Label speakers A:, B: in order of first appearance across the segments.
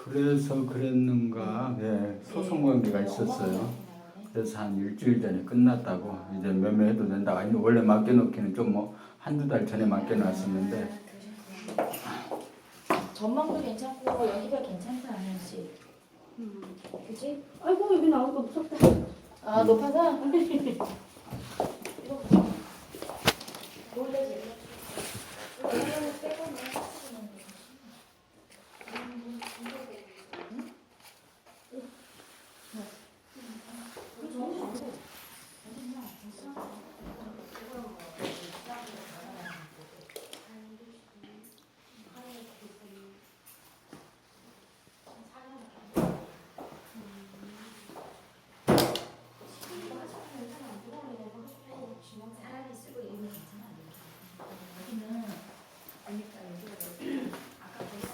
A: 그래서 그랬는가. 네, 소송 관계가 있었어요. 그래서 한 일주일 전에 끝났다고 이제 매매해도 된다. 아니 원래 맡겨놓기는 좀 뭐 한두 달 전에 맡겨놨었는데.
B: 전망도 괜찮고 여기가 괜찮다 하면씨. 그지?
C: 아이고 여기 나오니까 무섭다.
B: 아 높아서? 이거 몰래지. 이거는 빼고 사람이 쓰고 이러면 괜찮아. 여기는 그러니까 여기가 아까 거기가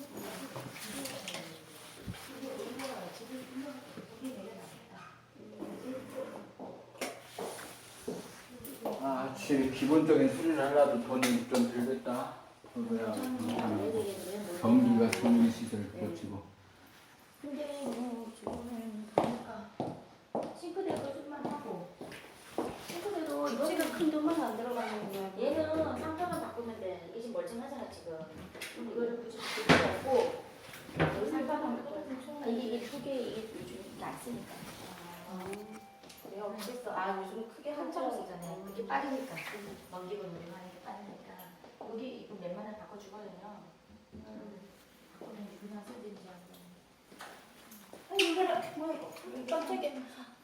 A: 아, 확실히 기본적인 수리를 하려도 돈이 좀 들겠다. 그거야. 전기가 전기 시설 고치고.
B: 근데 뭐 지금은 보니까 싱크대 거짓말 하고 싱크대도
C: 지가 큰 돈만 안 들어가는 거야.
B: 얘는 상표만 바꾸면 돼. 이게 지금 멀쩡하잖아 지금. 이거를 굳이 바꿀 필요 없고 여기 상표만 바꾸면 이게 두 개 이게 요즘 이게 안 쓰니까. 내가 어땠어? 아 요즘 크게 한참 쓰잖아요. 이렇게 빠르니까 넘기고 누르고 하는 게 빠르니까 여기 이거 웬만하면 바꿔주거든요. 바꾸면 그냥 쓰든지 하고.
C: 아니 이거를 뭐 이거 깜짝이야.